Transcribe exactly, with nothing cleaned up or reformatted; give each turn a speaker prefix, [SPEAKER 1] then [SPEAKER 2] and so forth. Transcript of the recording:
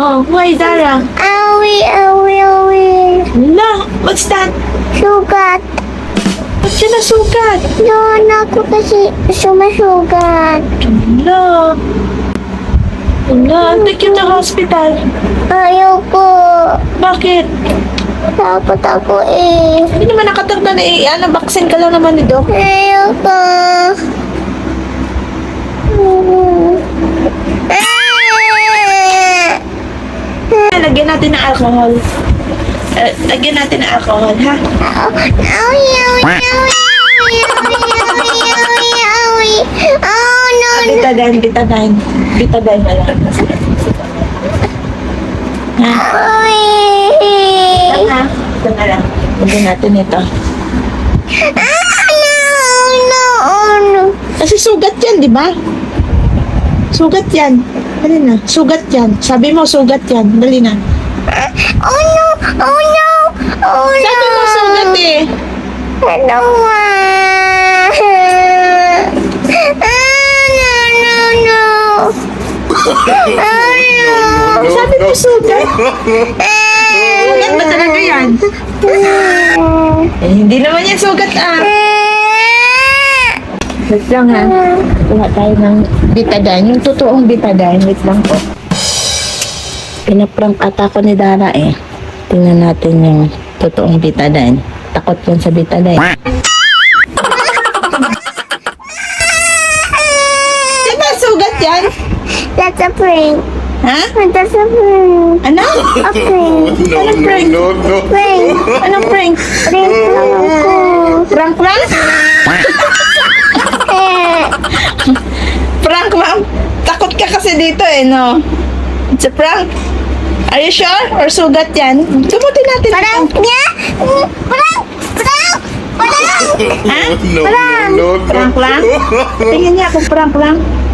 [SPEAKER 1] Oh, why, Dara?
[SPEAKER 2] Awi, awi, awi.
[SPEAKER 1] No, what's that?
[SPEAKER 2] Sugat.
[SPEAKER 1] Ba't siya nasugat?
[SPEAKER 2] Doon ako kasi sumasugat.
[SPEAKER 1] No. No, take you to hospital.
[SPEAKER 2] Ayoko.
[SPEAKER 1] Bakit?
[SPEAKER 2] Takot ako eh.
[SPEAKER 1] Hindi naman nakatagda na eh. Ano, vaccine ka lang naman ni Doc.
[SPEAKER 2] Ayoko. Ah!
[SPEAKER 1] Lagyan natin ng alcohol. Eh, lagyan natin ng alcohol, ha?
[SPEAKER 2] Awi, awi, awi, awi, awi, awi, awi. Oh, no, no.
[SPEAKER 1] Betadine, betadine. Betadine na lang. Ha?
[SPEAKER 2] Awi.
[SPEAKER 1] Ha? Ito na lang. Lagyan natin ito.
[SPEAKER 2] Ah, no, no, no.
[SPEAKER 1] Kasi sugat yan, di ba? Sugat yan. Dali na. Sugat yan. Sabi mo, sugat yan. Dali na.
[SPEAKER 2] Oh, no, oh, no, oh, no.
[SPEAKER 1] Sabi mo, sugat eh.
[SPEAKER 2] Ano nga? Ah, no, no, no. Ah, no.
[SPEAKER 1] Sabi mo, sugat. Sugat ba talaga yan? Eh, hindi naman yan sugat ah. Wait lang ha. Kuha tayo ng betadine. Yung totoong betadine. Wait lang po. Pinaprank ata ko ni Dara eh. Tingnan natin yung totoong betadine. Takot yan sa betadine. Diba sugat yan?
[SPEAKER 2] That's a prank.
[SPEAKER 1] Ha?
[SPEAKER 2] That's a prank.
[SPEAKER 1] Ano?
[SPEAKER 2] A prank.
[SPEAKER 1] Anong prank?
[SPEAKER 2] Prank.
[SPEAKER 1] Anong prank?
[SPEAKER 2] Prank lang ako.
[SPEAKER 1] Prank prank?
[SPEAKER 2] Eh,
[SPEAKER 1] Prank ma'am? Takot ka kasi dito eh, no? It's a prank. Are you sure? Or sugat yan? Gumutin natin.
[SPEAKER 2] Prank niya? Prank! Prank! Prank!
[SPEAKER 1] Ha?
[SPEAKER 2] Prank!
[SPEAKER 1] Prank lang? Tingnan niya kung prank lang.